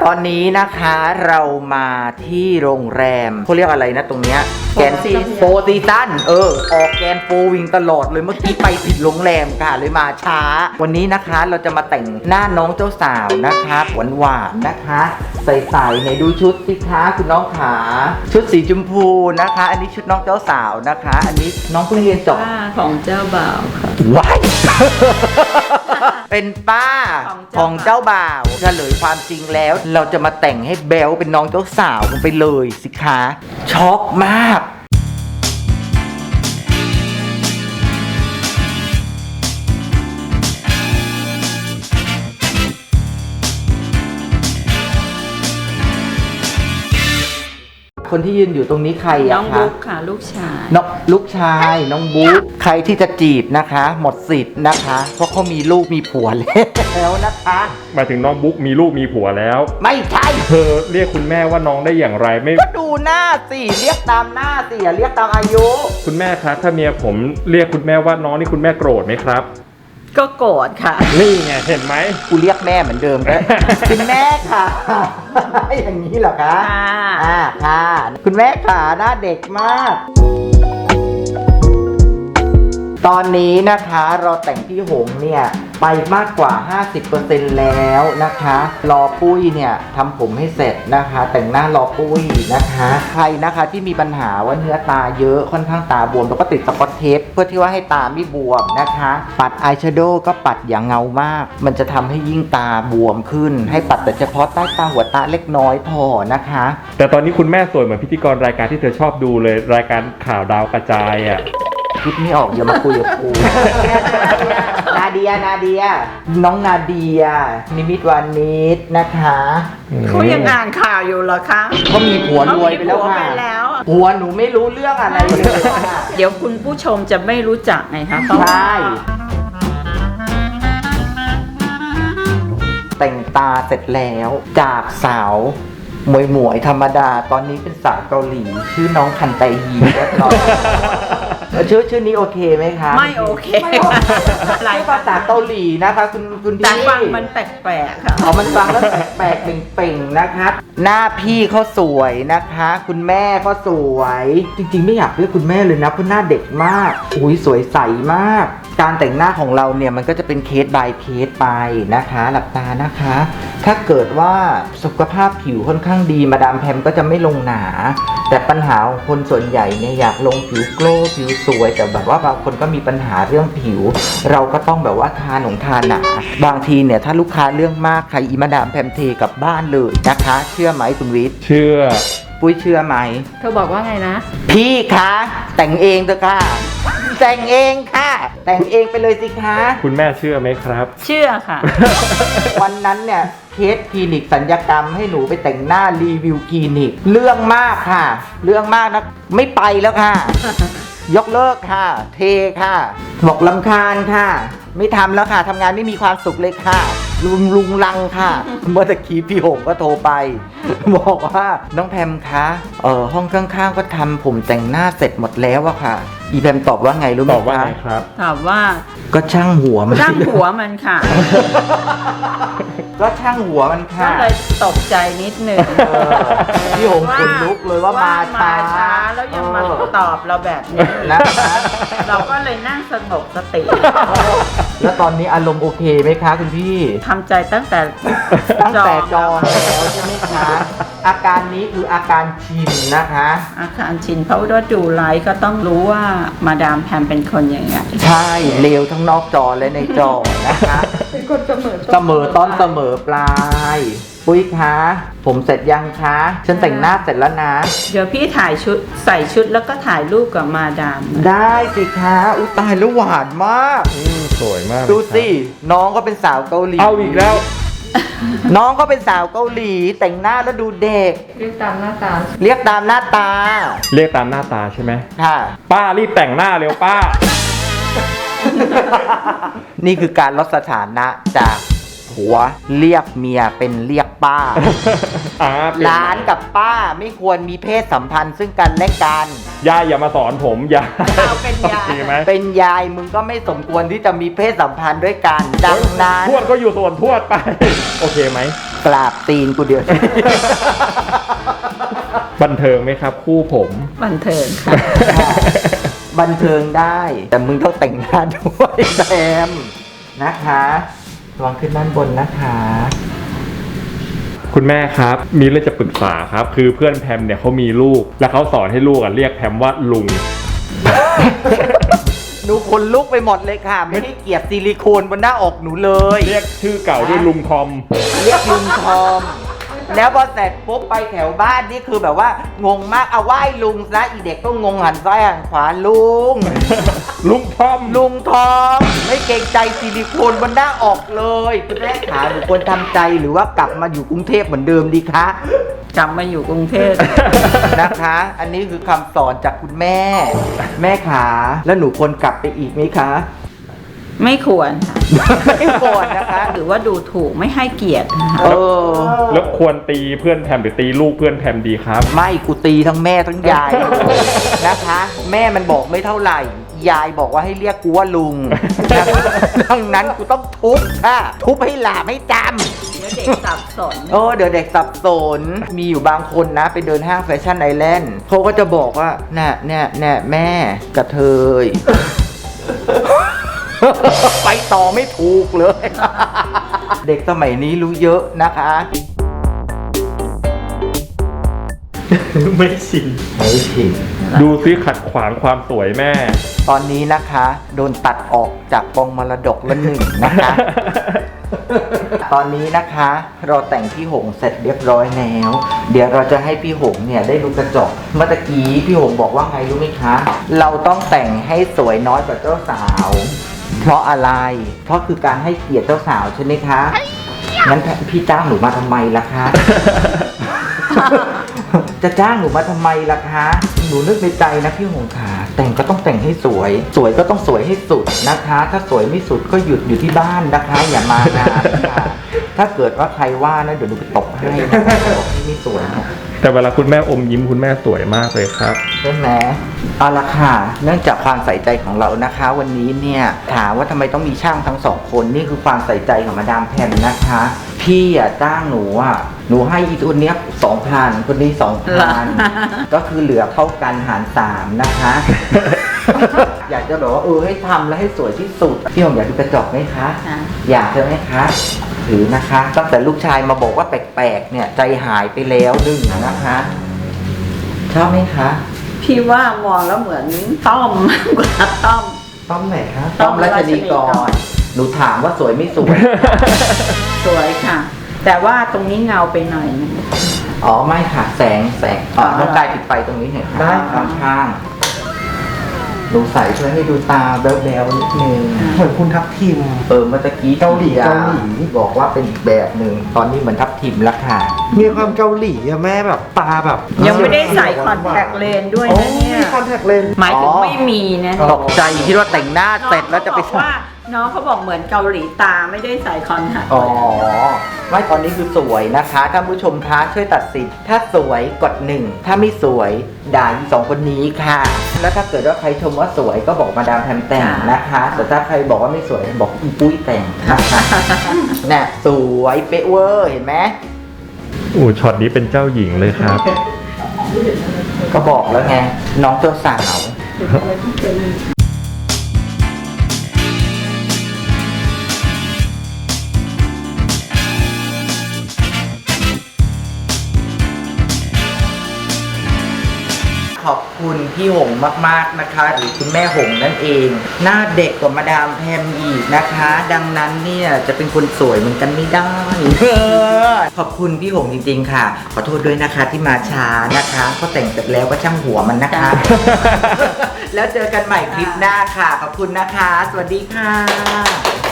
ตอนนี้นะคะเรามาที่โรงแรมเขาเรียกอะไรนะตรงเนี้ยแกนโฟซีซั่นออกแกนโฟวิงตลอดเลยเมื่อกี้ไปผิดโรงแรมค่ะเลยมาช้าวันนี้นะคะเราจะมาแต่งหน้าน้องเจ้าสาวนะคะหวานๆนะคะใส่ๆในดูชุดสิคะคุณน้องขาชุดสีชมพูนะคะอันนี้ชุดน้องเจ้าสาวนะคะอันนี้น้องเพิ่งเรียนจบของเจ้าบ่าวค่ะว้ายเป็นป้าของเจ้าบ่าวเฉลยความจริงแล้วเราจะมาแต่งให้แบลเป็นน้องเจ้าสาวกันไปเลยสิคะช็อกมากคนที่ยืนอยู่ตรงนี้ใครอะคะน้องบุ๊กค่ะลูกชายลูกชายน้องบุ๊กใครที่จะจีบนะคะหมดสิทธิ์นะคะเพราะเขามีลูกมีผัวแล้วนะคะหมายถึงน้องบุ๊กมีลูกมีผัวแล้วไม่ใช่เธอเรียกคุณแม่ว่าน้องได้อย่างไรไม่ก็ดูหน้าสิเรียกตามหน้าสิอย่าเรียกตามอายุคุณแม่คะถ้าเมียผมเรียกคุณแม่ว่าน้องนี่คุณแม่โกรธไหมครับก็โกรธค่ะนี่ไงเห็นไหมกูเรียกแม่เหมือนเดิมก็คุณแม่ค่ะอย่างนี้เหรอคะค่ะคุณแม่ขาหน้าเด็กมากตอนนี้นะคะเราแต่งพี่หงเนี่ยไปมากกว่า 50% แล้วนะคะรอปุ้ยเนี่ยทำผมให้เสร็จนะคะแต่งหน้ารอปุ้ยนะคะใครนะคะที่มีปัญหาว่าเนื้อตาเยอะค่อนข้างตาบวมเราก็ติดสกอตเทปเพื่อที่ว่าให้ตาไม่บวมนะคะปัดอายแชโดว์ก็ปัดอย่างเงามากมันจะทำให้ยิ่งตาบวมขึ้นให้ปัดแต่เฉพาะใต้ตาหัวตาเล็กน้อยพอนะคะแต่ตอนนี้คุณแม่สวยเหมือนพิธีกรรายการที่เธอชอบดูเลยรายการข่าวดาวกระจายอ่ะคิดไม่ออกอย่ามาคุยกับกูนาเดียน้องนาเดียนิมิตวานิชนะคะเขายังอ่านข่าวอยู่เหรอคะเขามีผัวรวยไปแล้วค่ะผัวหนูไม่รู้เรื่องอะไรเลยค่ะเดี๋ยวคุณผู้ชมจะไม่รู้จักไงคะใช่แต่งตาเสร็จแล้วจากสาวหมวยธรรมดาตอนนี้เป็นสาวเกาหลีชื่อน้องคันไตฮีเรียบร้อยชื่อนี้โอเคไหมคะไม่โอเคหลายภาษาเกาหลีนะคะคุณพี่แต่ฟังมันแปลกๆค่ะมันฟังแล้วแปลกๆเป่งๆนะคะหน้าพี่เขาสวยนะคะคุณแม่ก็สวยจริงๆไม่อยากเรียกคุณแม่เลยนะเพราะหน้าเด็กมากอุ้ยสวยใสมากการแต่งหน้าของเราเนี่ยมันก็จะเป็นเคส by เคสไปนะคะหลับตานะคะถ้าเกิดว่าสุขภาพผิวค่อนข้างดีมาดามแพมก็จะไม่ลงหนาแต่ปัญหาของคนส่วนใหญ่เนี่ยอยากลงผิวโกลว์ผิวสวยแต่แบบว่าบางคนก็มีปัญหาเรื่องผิวเราก็ต้องแบบว่าทาหนาบางทีเนี่ยถ้าลูกค้าเรื่องมากใครอีมาดามแพมเทกลับบ้านเลยนะคะเชื่อไหมคุณวิทย์เชื่อปุ้ยเชื่อไหมเธอบอกว่าไงนะพี่คะแต่งเองเถอะค่ะแต่งเองค่ะแต่งเองไปเลยสิคะคุณแม่เชื่อไหมครับเชื่อค่ะวันนั้นเนี่ยเคสคลินิกศัลยกรรมให้หนูไปแต่งหน้ารีวิวคลินิกเรื่องมากค่ะเรื่องมากนะไม่ไปแล้วค่ะยกเลิกค่ะเทค่ะบอกรำคาญค่ะไม่ทำแล้วค่ะทำงานไม่มีความสุขเลยค่ะลุงลังค่ะเมื่อตะกี้พี่หงก็โทรไปบอกว่าน้องแพมคะห้องข้างๆก็ทำผมแต่งหน้าเสร็จหมดแล้วอะค่ะอีแพมตอบว่าไงรู้ไหมคะตอบว่าไงครับตอบว่าก็ช่างหัวมันค่ะก็ช่างหัวมันค่ะก็เลยตกใจนิดนึงพี่หงขนลุกเลยว่ามาช้าแล้วยังมาตอบเราแบบนี้นะคะเราก็เลยนั่งสงบสติแล้วตอนนี้อารมณ์โอเคไหมคะคุณพี่ทำใจตั้งแต่จองแล้วใช่ไหมคะอาการนี้คืออาการชินนะคะอาการชินเพราะว่าดูไลฟ์ก็ต้องรู้ว่ามาดามแพมเป็นคนยังไงใช่เลวทั้งนอกจอและในจอนะคะเป็นคนเสมอต้นเสมอปลายปุ้ยคะผมเสร็จยังคะฉันแต่งหน้าเสร็จแล้วนะเดี๋ยวพี่ถ่ายชุดใส่ชุดแล้วก็ถ่ายรูปกับมาดามได้สิคะอุ๊ยตายแล้วหวานมากสวยมากดูสิน้องก็เป็นสาวเกาหลีเอาอีกแล้วน้องก็เป็นสาวเกาหลีแต่งหน้าแล้วดูเด็กเรียกตามหน้าตาใช่ไหมค่ะป้ารีบแต่งหน้าเร็วป้านี่คือการลดสถานะจากผผัวเรียกเมียเป็นเรียกป้าเป็นหลานกับป้าไม่ควรมีเพศสัมพันธ์ซึ่งกันและกันยายอย่ามาสอนผมยายเอาเป็นยายโอเคไหมเป็นยายมึงก็ไม่สมควรที่จะมีเพศสัมพันธ์ด้วยกัน ดังนั้นทวดก็อยู่ส่วนทวดไป โอเคไหมกราบตีนกูเดียวบันเทิงไหมครับคู่ผมบันเทิงค่ะบันเทิงได้ แต่มึงต้องแต่งหน้าด้วยแซมนะคะระวังขึ้นด้านบนนะคะคุณแม่ครับมีเรื่องจะปรึกษาครับ คือเพื่อนแพมเนี่ยเขามีลูก แล้วเขาสอนให้ลูกเรียกแพมว่าลุงหนูขนลุกไปหมดเลยค่ะ ไม่ได้เกลียดซิลิโคนบนหน้าอกหนูเลยเรียกชื่อเก่าด้วยลุงทอมเรียกลุงทอม แล้วพอเสร็จปุ๊บไปแถวบ้านนี่คือแบบว่างงมากเอาไหว้ลุงซะอีเด็กก็งงหันซ้ายหันขวาลุงลุงทอมลุงทอมไม่เกรงใจซิลิโคนบนหน้าออกเลยคุณแม่ขาหนูควรทำใจหรือว่ากลับมาอยู่กรุงเทพเหมือนเดิมดีคะกลับมาอยู่กรุงเทพนะคะ อันนี้คือคำสอนจากคุณแม่ แม่ขาแล้วหนูควรกลับไปอีกไหมคะไม่ควรค่ะไม่ควรนะคะหรือว่าดูถูกไม่ให้เกียรตินะคะเออแล้วควรตีเพื่อนแพมหรือตีลูกเพื่อนแพมดีครับไม่กูตีทั้งแม่ทั้งยายนะคะ แม่มันบอกไม่เท่าไหร่ ยายบอกว่าให้เรียกกูว่าลุงนะคะดังนั้นกูต้องทุบค่ะ ทุบให้หลาบให้จำเดี๋ยวเด็กสับสนเดี๋ยวเด็กสับสน มีอยู่บางคนนะไปเดินห้างแฟชั่นไอแลนด์เขาก็จะบอกว่าเนี่ยแม่กระเทย ไปต่อไม่ถูกเลย เด็กสมัยนี้รู้เยอะนะคะไม่ชินไม่ผิดดูซิขัดขวางความสวยแม่ตอนนี้นะคะ โดนตัดออกจากกองมรดกละหนึ่งนะคะ ตอนนี้นะคะเราแต่งพี่หงเสร็จเรียบร้อยแล้ว เดี๋ยวเราจะให้พี่หงเนี่ยได้ดูกระจก เมื่อตะกี้พี่หงบอกว่าไงรู้ไหมคะ เราต้องแต่งให้สวยน้อยกว่าเจ้าสาว เพราะอะไร เพราะคือการให้เกียรติเจ้าสาวใช่ไหมคะงั้นพี่จ้างหนูมาทำไมล่ะคะ จะจ้างหนูมาทำไมล่ะคะ หนูนึกในใจนะพี่หงขาแต่งก็ต้องแต่งให้สวย สวยก็ต้องสวยให้สุดนะคะ ถ้าสวยไม่สุดก็หยุดอยู่ที่บ้านนะคะ อย่ามางานค่ะถ้าเกิดว่าใครว่านะเดี๋ยวหนูไปตบให้นะคะบอกที่ไม่สวยนะแต่เวลาคุณแม่อมยิ้มคุณแม่สวยมากเลยครับใช่ไหมเอาละค่ะ เนื่องจากความใส่ใจของเรานะคะ วันนี้เนี่ยถามว่าทำไมต้องมีช่างทั้งสองคนนี่คือความใส่ใจของมาดามแพมนะคะ พี่จ้างหนูหนูให้อีตัวเนี้ย2,000คนนี้2,000ก็คือเหลือเท่ากันหาร 3นะคะ อยากจะบอกว่าให้ทำแล้วให้สวยที่สุดพี่หงอยากดูกระจกไหมคะค่ะอยากใช่ไหมคะถือนะคะตั้งแต่ลูกชายมาบอกว่าแปลกๆเนี่ยใจหายไปแล้วหนึ่งนะคะชอบไหมคะพี่ว่ามองแล้วเหมือนต้อมมากกว่าต้อมต้อมไหนคะต้ต้ออมมรัชนีกรัชนีกรรหนูถามว่าสวยไม่สวยสวยค่ะ แต่ว่าตรงนี้เงาไปหน่อยนึงอ๋อไม่ค่ะแสงน้องกายปิดไฟตรงนี้หน่อยค่ะได้ค่ะข้างๆหนูใส่ช่วยให้ดูตาแบ๊วๆนิดนึงเหมือนคุณทับทิมเมื่อตะกี้เกาหลีบอกว่าเป็นอีกแบบหนึ่งตอนนี้เหมือนทับทิมแล้วค่ะมีความเกาหลีอะแม่แบบตาแบบยังไม่ได้ใส่คอนแทคเลนส์ด้วยโอ้นะเนี่ยมีคอนแทคเลนส์หมายถึงไม่มีนะตกใจคิดว่าแต่งหน้าเสร็จแล้วจะไปน้องเขาบอกเหมือนเกาหลีตาไม่ได้ใส่คอนแทคอ๋อไม่ตอนนี้คือสวยนะคะท่านผู้ชมคะช่วยตัดสินถ้าสวยกด1ถ้าไม่สวยด่าอีสองคนนี้ค่ะ แล้วถ้าเกิดว่าใครชมว่าสวยก็บอกมาดามแพมแต่งนะคะแต่ถ้าใครบอกว่าไม่สวยบอกอีปุ้ยแต่งนะคะน่ะสวยเป๊ะเวอร์เห็นไหมช็อตนี้เป็นเจ้าหญิงเลยครับก็บอกแล้วไงน้องเจ้าสาว ขอบคุณพี่หงมากๆนะคะหรือคุณแม่หงนั่นเอง หน้าเด็กกว่ามาดามแพมอีกนะคะ ดังนั้นเนี่ยจะเป็นคนสวยเหมือนกันไม่ได้ ขอบคุณพี่หงจริงๆค่ะ ขอโทษด้วยนะคะที่มาช้านะคะก็แต่งเสร็จแล้วก็ช่างหัวมันนะคะ แล้วเจอกันใหม่คลิปหน้าค่ะ ขอบคุณนะคะ สวัสดีค่ะ